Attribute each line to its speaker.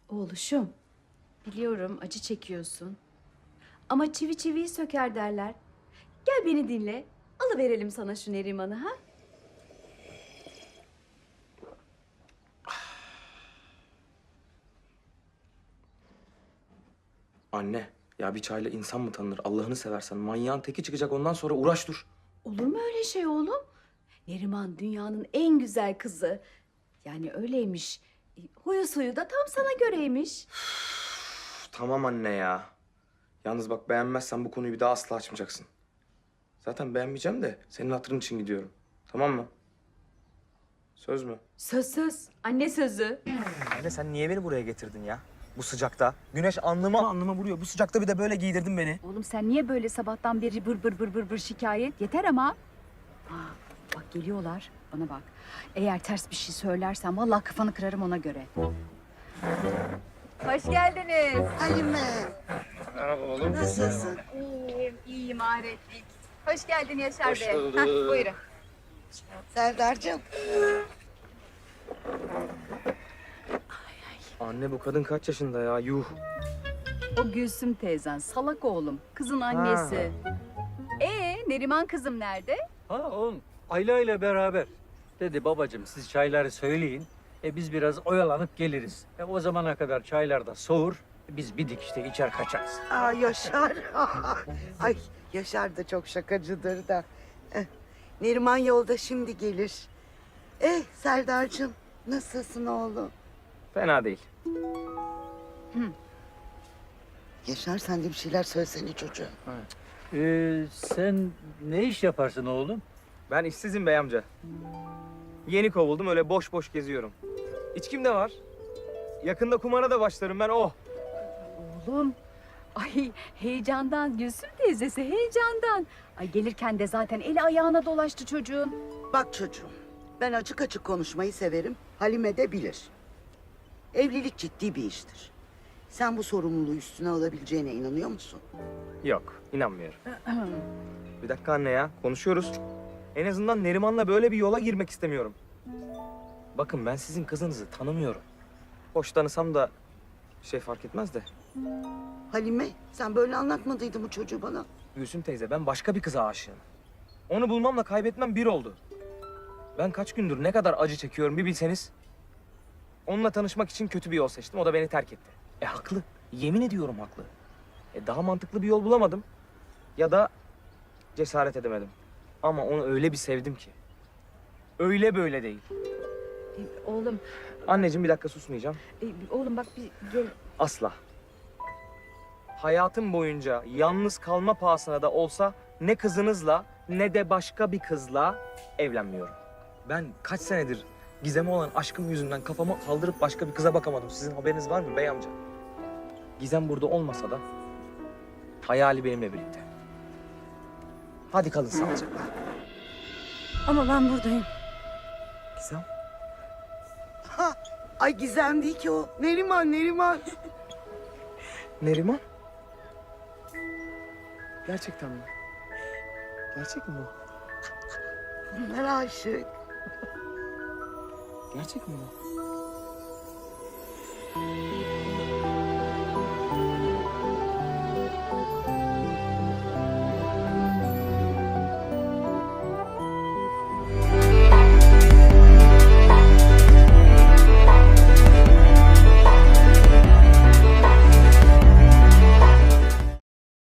Speaker 1: Oğluşum, biliyorum acı çekiyorsun. Ama çivi çiviyi söker derler. Gel beni dinle. Alıverelim sana şu Neriman'ı ha?
Speaker 2: Anne, ya bir çayla insan mı tanınır? Allah'ını seversen. Manyağın teki çıkacak ondan sonra uğraş dur.
Speaker 1: Olur mu öyle şey oğlum? Neriman dünyanın en güzel kızı. Yani öyleymiş. Huyu suyu da tam sana göreymiş.
Speaker 2: Üf, tamam anne ya. Yalnız bak beğenmezsen bu konuyu bir daha asla açmayacaksın. Zaten beğenmeyeceğim de senin hatırın için gidiyorum. Tamam mı? Söz mü?
Speaker 1: Söz söz. Anne sözü.
Speaker 2: Anne sen niye beni buraya getirdin ya? Bu sıcakta. Güneş alnıma vuruyor. Bu sıcakta bir de böyle giydirdin beni.
Speaker 1: Oğlum sen niye böyle sabahtan beri bır şikayet? Yeter ama. Bak geliyorlar. Bana bak. Eğer ters bir şey söylersen vallahi kafanı kırarım ona göre. Hoş geldiniz.
Speaker 3: Halime,
Speaker 2: Merhaba oğlum.
Speaker 3: nasılsın?
Speaker 1: İyiyim ahiretlik. Hoş geldin Yaşar
Speaker 2: Hoş
Speaker 1: Bey.
Speaker 2: bulduk.
Speaker 1: Buyurun.
Speaker 3: Serdar'cığım,
Speaker 2: Anne bu kadın kaç yaşında ya? Yuh.
Speaker 1: O Gülsüm teyzen, salak oğlum. Kızın annesi. Neriman kızım nerede?
Speaker 4: Ha oğlum Ayla ile beraber. Dedi babacığım siz çayları söyleyin. Biz biraz oyalanıp geliriz. O zamana kadar çaylar da soğur. Biz bir dikişte içer kaçarız.
Speaker 3: Yaşar. Ay, Yaşar da çok şakacıdır da. Neriman yolda şimdi gelir. Serdar'cığım, nasılsın oğlum?
Speaker 2: Fena değil.
Speaker 3: Yaşar, sen de bir şeyler söylesene çocuğa.
Speaker 4: Sen ne iş yaparsın oğlum?
Speaker 2: Ben işsizim bey amca. Yeni kovuldum öyle boş boş geziyorum. İçkim de var. Yakında kumara da başlarım ben oh.
Speaker 1: Oğlum. Ay heyecandan Gülsüm teyzesi heyecandan. Ay gelirken de zaten eli ayağına dolaştı çocuğun.
Speaker 3: Bak çocuğum, ben açık açık konuşmayı severim. Halime de bilir. Evlilik ciddi bir iştir. Sen bu sorumluluğu üstüne alabileceğine inanıyor musun?
Speaker 2: Yok inanmıyorum. Bir dakika anne ya konuşuyoruz. En azından Neriman'la böyle bir yola girmek istemiyorum. Bakın ben sizin kızınızı tanımıyorum. Hoş tanısam da bir şey fark etmez de.
Speaker 3: Halime, sen böyle anlatmadıydın bu çocuğu bana.
Speaker 2: Gülsüm teyze ben başka bir kıza aşığım. Onu bulmamla kaybetmem bir oldu. Ben kaç gündür ne kadar acı çekiyorum bir bilseniz. Onunla tanışmak için kötü bir yol seçtim. O da beni terk etti. Haklı. Yemin ediyorum haklı. Daha mantıklı bir yol bulamadım. Ya da cesaret edemedim. Ama onu öyle bir sevdim ki. Öyle böyle değil.
Speaker 1: Oğlum,
Speaker 2: Anneciğim bir dakika susmayacağım.
Speaker 1: oğlum bak bir gel.
Speaker 2: Asla. Hayatım boyunca yalnız kalma pahasına da olsa ne kızınızla ne de başka bir kızla evlenmiyorum. Ben kaç senedir Gizem'e olan aşkım yüzünden kafamı kaldırıp başka bir kıza bakamadım. Sizin haberiniz var mı bey amca? Gizem burada olmasa da hayali benimle birlikte. Hadi kalın sağlıcakla.
Speaker 1: Ama ben buradayım.
Speaker 2: Gizem?
Speaker 3: Ay Gizem değil ki o. Neriman, Neriman.
Speaker 2: Neriman? Gerçekten mi? Gerçek mi bu?
Speaker 3: Bunlar aşık.
Speaker 2: Gerçek mi bu?